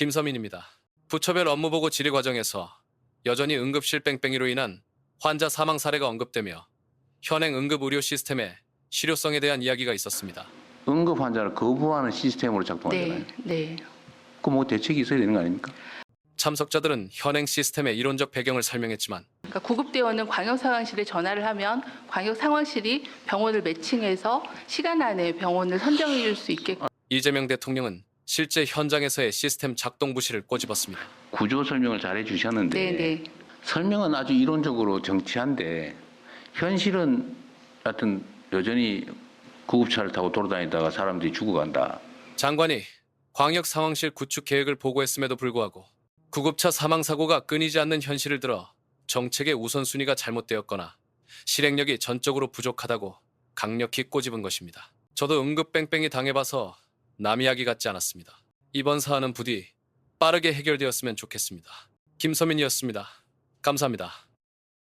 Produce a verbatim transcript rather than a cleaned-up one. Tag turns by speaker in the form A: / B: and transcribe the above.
A: 김서민입니다. 부처별 업무보고 질의 과정에서 여전히 응급실 뺑뺑이로 인한 환자 사망 사례가 언급되며 현행 응급의료 시스템의 실효성에 대한 이야기가 있었습니다.
B: 응급 환자를 거부하는 시스템으로 작동하잖아요.
C: 네, 네.
B: 그 뭐 대책이 있어야 되는 거 아닙니까?
A: 참석자들은 현행 시스템의 이론적 배경을 설명했지만
C: 그러니까 구급대원은 광역상황실에 전화를 하면 광역상황실이 병원을 매칭해서 시간 안에 병원을 선정해 줄 수 있게끔.
A: 이재명 대통령은 실제 현장에서의 시스템 작동 부실을 꼬집었습니다.
B: 구조 설명을 잘 해주셨는데
C: 네, 네.
B: 설명은 아주 이론적으로 정치한데 현실은 하여튼 여전히 구급차를 타고 돌아다니다가 사람들이 죽어간다.
A: 장관이 광역 상황실 구축 계획을 보고했음에도 불구하고 구급차 사망 사고가 끊이지 않는 현실을 들어 정책의 우선순위가 잘못되었거나 실행력이 전적으로 부족하다고 강력히 꼬집은 것입니다. 저도 응급 뺑뺑이 당해봐서 남 이야기 같지 않았습니다. 이번 사안은 부디 빠르게 해결되었으면 좋겠습니다. 김서민이었습니다. 감사합니다.